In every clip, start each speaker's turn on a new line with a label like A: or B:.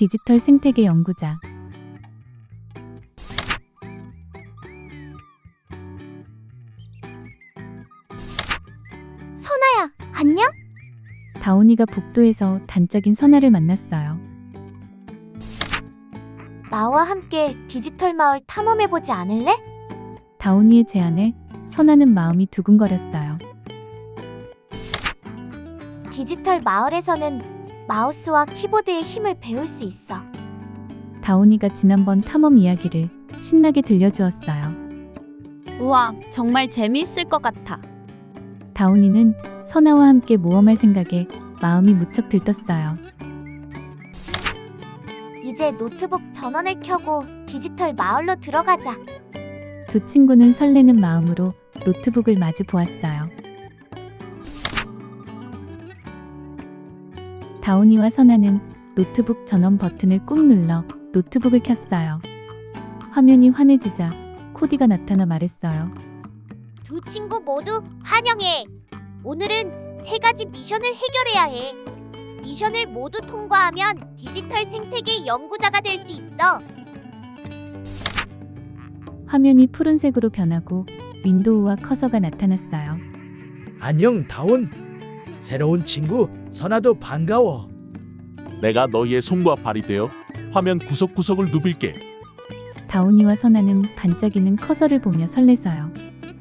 A: 디지털 생태계 연구자.
B: 선아야, 안녕?
A: 다온이가 복도에서 단짝인 선아를 만났어요.
B: 나와 함께 디지털 마을 탐험해보지 않을래?
A: 다온이의 제안에 선아는 마음이 두근거렸어요.
B: 디지털 마을에서는 마우스와 키보드의 힘을 배울 수 있어.
A: 다온이가 지난번 탐험 이야기를 신나게 들려주었어요.
C: 우와, 정말 재미있을 것 같아.
A: 다온이는 선아와 함께 모험할 생각에 마음이 무척 들떴어요.
B: 이제 노트북 전원을 켜고 디지털 마을로 들어가자.
A: 두 친구는 설레는 마음으로 노트북을 마주 보았어요. 다온이와 선아는 노트북 전원 버튼을 꾹 눌러 노트북을 켰어요. 화면이 환해지자 코디가 나타나 말했어요.
B: 두 친구 모두 환영해. 오늘은 3가지 미션을 해결해야 해. 미션을 모두 통과하면 디지털 생태계 연구자가 될 수 있어.
A: 화면이 푸른색으로 변하고 윈도우와 커서가 나타났어요.
D: 안녕 다온. 새로운 친구 선아도 반가워.
E: 내가 너희의 손과 발이 되어 화면 구석구석을 누빌게.
A: 다온이와 선아는 반짝이는 커서를 보며 설레서요.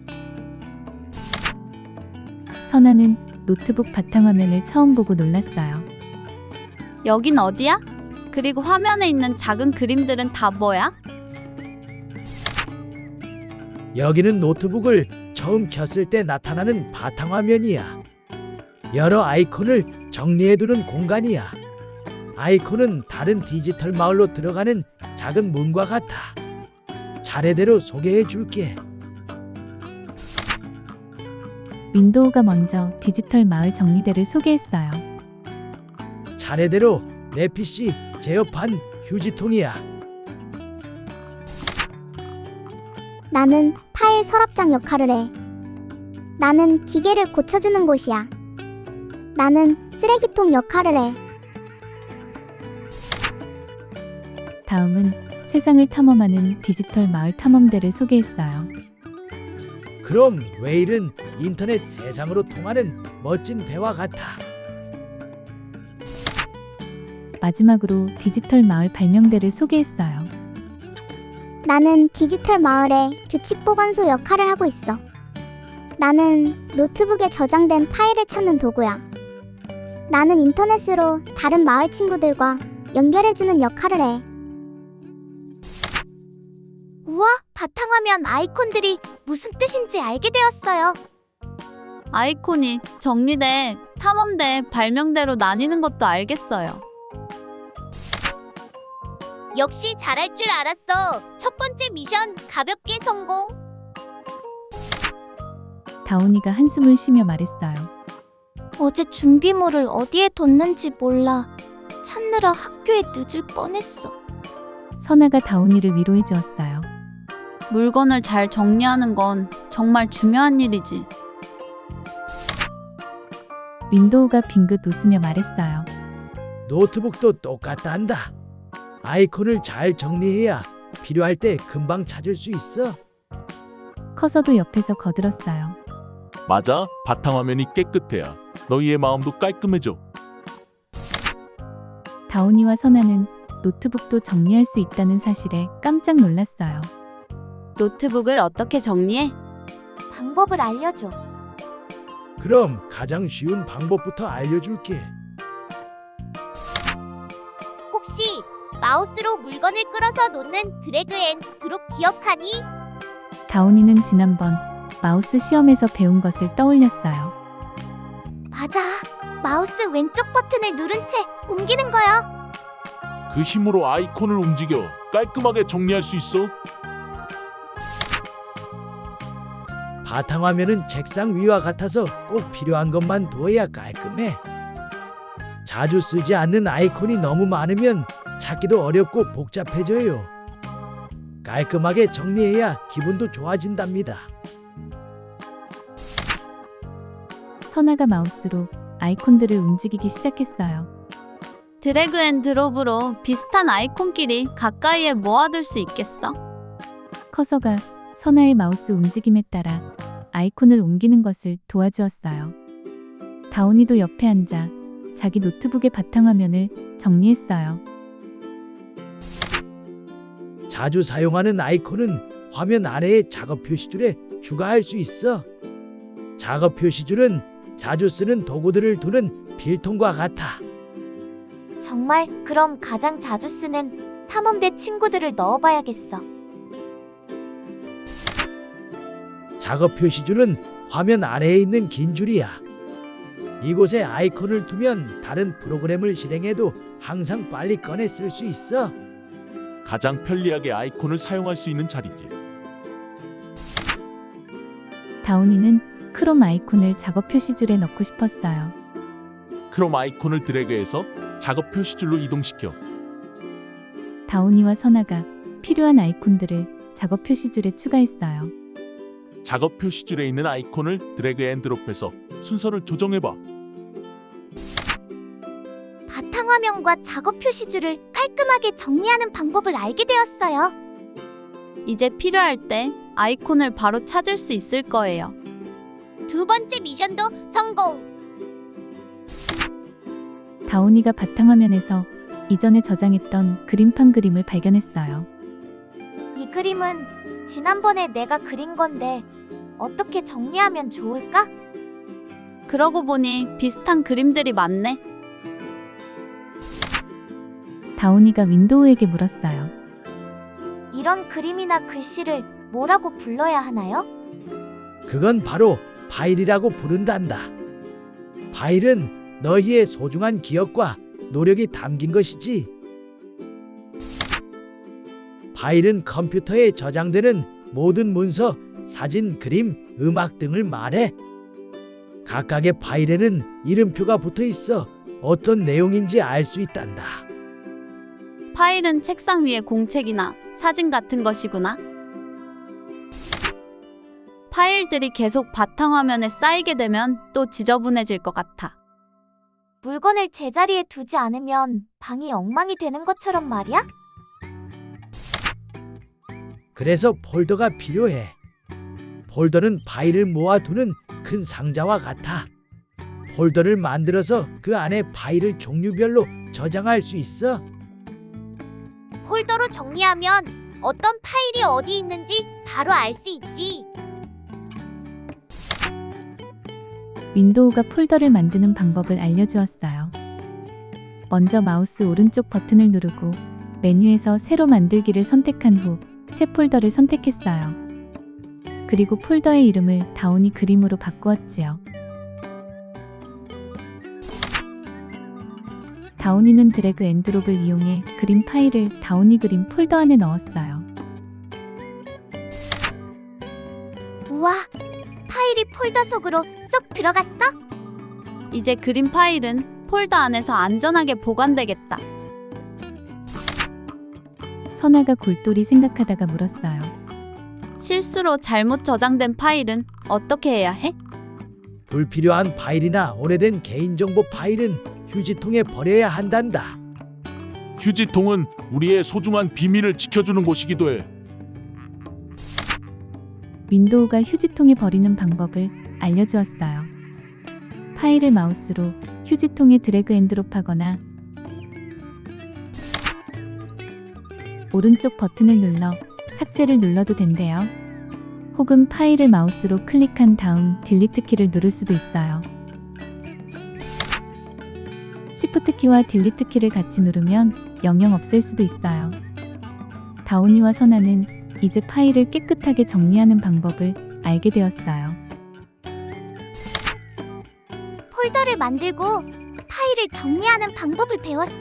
A: 선아는 노트북 바탕화면을 처음 보고 놀랐어요.
C: 여긴 어디야? 그리고 화면에 있는 작은 그림들은 다 뭐야?
D: 여기는 노트북을 처음 켰을 때 나타나는 바탕화면이야. 여러 아이콘을 정리해두는 공간이야. 아이콘은 다른 디지털 마을로 들어가는 작은 문과 같아. 차례대로 소개해 줄게.
A: 윈도우가 먼저 디지털 마을 정리대를 소개했어요.
D: 차례대로 내 PC 제어판 휴지통이야.
F: 나는 파일 서랍장 역할을 해. 나는 기계를 고쳐주는 곳이야. 나는 쓰레기통 역할을 해.
A: 다음은 세상을 탐험하는 디지털 마을 탐험대를 소개했어요.
D: 그럼 웨일은 인터넷 세상으로 통하는 멋진 배와 같아.
A: 마지막으로 디지털 마을 발명대를 소개했어요.
F: 나는 디지털 마을의 규칙 보관소 역할을 하고 있어. 나는 노트북에 저장된 파일을 찾는 도구야. 나는 인터넷으로 다른 마을 친구들과 연결해주는 역할을 해.
B: 우와, 바탕화면 아이콘들이 무슨 뜻인지 알게 되었어요.
C: 아이콘이 정리돼 탐험대, 발명대로 나뉘는 것도 알겠어요.
B: 역시 잘할 줄 알았어. 첫 번째 미션 가볍게 성공.
A: 다온이가 한숨을 쉬며 말했어요.
B: 어제 준비물을 어디에 뒀는지 몰라. 찾느라 학교에 늦을 뻔했어.
A: 선아가 다온이를 위로해 주었어요.
C: 물건을 잘 정리하는 건 정말 중요한 일이지.
A: 윈도우가 빙긋 웃으며 말했어요.
D: 노트북도 똑같단다. 아이콘을 잘 정리해야 필요할 때 금방 찾을 수 있어.
A: 커서도 옆에서 거들었어요.
E: 맞아, 바탕화면이 깨끗해야 너희의 마음도 깔끔해져.
A: 다온이와 선아는 노트북도 정리할 수 있다는 사실에 깜짝 놀랐어요.
C: 노트북을 어떻게 정리해?
B: 방법을 알려줘.
D: 그럼 가장 쉬운 방법부터 알려줄게.
B: 혹시 마우스로 물건을 끌어서 놓는 드래그 앤 드롭 기억하니?
A: 다온이는 지난번 마우스 시험에서 배운 것을 떠올렸어요.
B: 맞아. 마우스 왼쪽 버튼을 누른 채 옮기는 거야.
E: 그 힘으로 아이콘을 움직여 깔끔하게 정리할 수 있어.
D: 바탕화면은 책상 위와 같아서 꼭 필요한 것만 두어야 깔끔해. 자주 쓰지 않는 아이콘이 너무 많으면 찾기도 어렵고 복잡해져요. 깔끔하게 정리해야 기분도 좋아진답니다.
A: 선아가 마우스로 아이콘들을 움직이기 시작했어요.
C: 드래그 앤 드롭으로 비슷한 아이콘끼리 가까이에 모아둘 수 있겠어?
A: 커서가 선아의 마우스 움직임에 따라 아이콘을 옮기는 것을 도와주었어요. 다온이도 옆에 앉아 자기 노트북의 바탕화면을 정리했어요.
D: 자주 사용하는 아이콘은 화면 아래의 작업 표시줄에 추가할 수 있어. 작업 표시줄은 자주 쓰는 도구들을 두는 필통과 같아.
B: 정말 그럼 가장 자주 쓰는 탐험대 친구들을 넣어봐야겠어.
D: 작업 표시줄은 화면 아래에 있는 긴 줄이야. 이곳에 아이콘을 두면 다른 프로그램을 실행해도 항상 빨리 꺼내 쓸 수 있어.
E: 가장 편리하게 아이콘을 사용할 수 있는 자리지.
A: 다온이는 크롬 아이콘을 작업 표시줄에 넣고 싶었어요.
E: 크롬 아이콘을 드래그해서 작업 표시줄로 이동시켜.
A: 다온이와 선아가 필요한 아이콘들을 작업 표시줄에 추가했어요.
E: 작업 표시줄에 있는 아이콘을 드래그 앤 드롭해서 순서를 조정해봐.
B: 바탕화면과 작업 표시줄을 깔끔하게 정리하는 방법을 알게 되었어요.
C: 이제 필요할 때 아이콘을 바로 찾을 수 있을 거예요.
B: 두 번째 미션도 성공!
A: 다온이가 바탕화면에서 이전에 저장했던 그림판 그림을 발견했어요.
B: 이 그림은 지난번에 내가 그린 건데 어떻게 정리하면 좋을까?
C: 그러고 보니 비슷한 그림들이 많네.
A: 다온이가 윈도우에게 물었어요.
B: 이런 그림이나 글씨를 뭐라고 불러야 하나요?
D: 그건 바로 파일이라고 부른단다. 파일은 너희의 소중한 기억과 노력이 담긴 것이지. 파일은 컴퓨터에 저장되는 모든 문서, 사진, 그림, 음악 등을 말해. 각각의 파일에는 이름표가 붙어 있어 어떤 내용인지 알 수 있단다.
C: 파일은 책상 위에 공책이나 사진 같은 것이구나. 파일들이 계속 바탕화면에 쌓이게 되면 또 지저분해질 것 같아.
B: 물건을 제자리에 두지 않으면 방이 엉망이 되는 것처럼 말이야?
D: 그래서 폴더가 필요해. 폴더는 파일을 모아두는 큰 상자와 같아. 폴더를 만들어서 그 안에 파일을 종류별로 저장할 수 있어.
B: 폴더로 정리하면 어떤 파일이 어디 있는지 바로 알 수 있지.
A: 윈도우가 폴더를 만드는 방법을 알려주었어요. 먼저 마우스 오른쪽 버튼을 누르고 메뉴에서 새로 만들기를 선택한 후 새 폴더를 선택했어요. 그리고 폴더의 이름을 다온이 그림으로 바꾸었지요. 다온이는 드래그 앤 드롭을 이용해 그림 파일을 다온이 그림 폴더 안에 넣었어요.
B: 우와, 파일이 폴더 속으로 쏙 들어갔어?
C: 이제 그림 파일은 폴더 안에서 안전하게 보관되겠다.
A: 선아가 골똘히 생각하다가 물었어요.
C: 실수로 잘못 저장된 파일은 어떻게 해야 해?
D: 불필요한 파일이나 오래된 개인정보 파일은 휴지통에 버려야 한단다.
E: 휴지통은 우리의 소중한 비밀을 지켜주는 곳이기도 해.
A: 윈도우가 휴지통에 버리는 방법을 알려주었어요. 파일을 마우스로 휴지통에 드래그 앤 드롭하거나 오른쪽 버튼을 눌러 삭제를 눌러도 된대요. 혹은 파일을 마우스로 클릭한 다음 딜리트 키를 누를 수도 있어요. 시프트 키와 딜리트 키를 같이 누르면 영영 없앨 수도 있어요. 다온이와 선아는 이제 파일을 깨끗하게 정리하는 방법을 알게 되었어요.
B: 폴더를 만들고 파일을 정리하는 방법을 배웠어?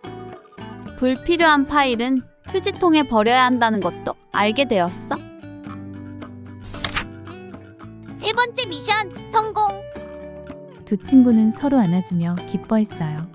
C: 불필요한 파일은 휴지통에 버려야 한다는 것도 알게 되었어.
B: 세 번째 미션 성공!
A: 두 친구는 서로 안아주며 기뻐했어요.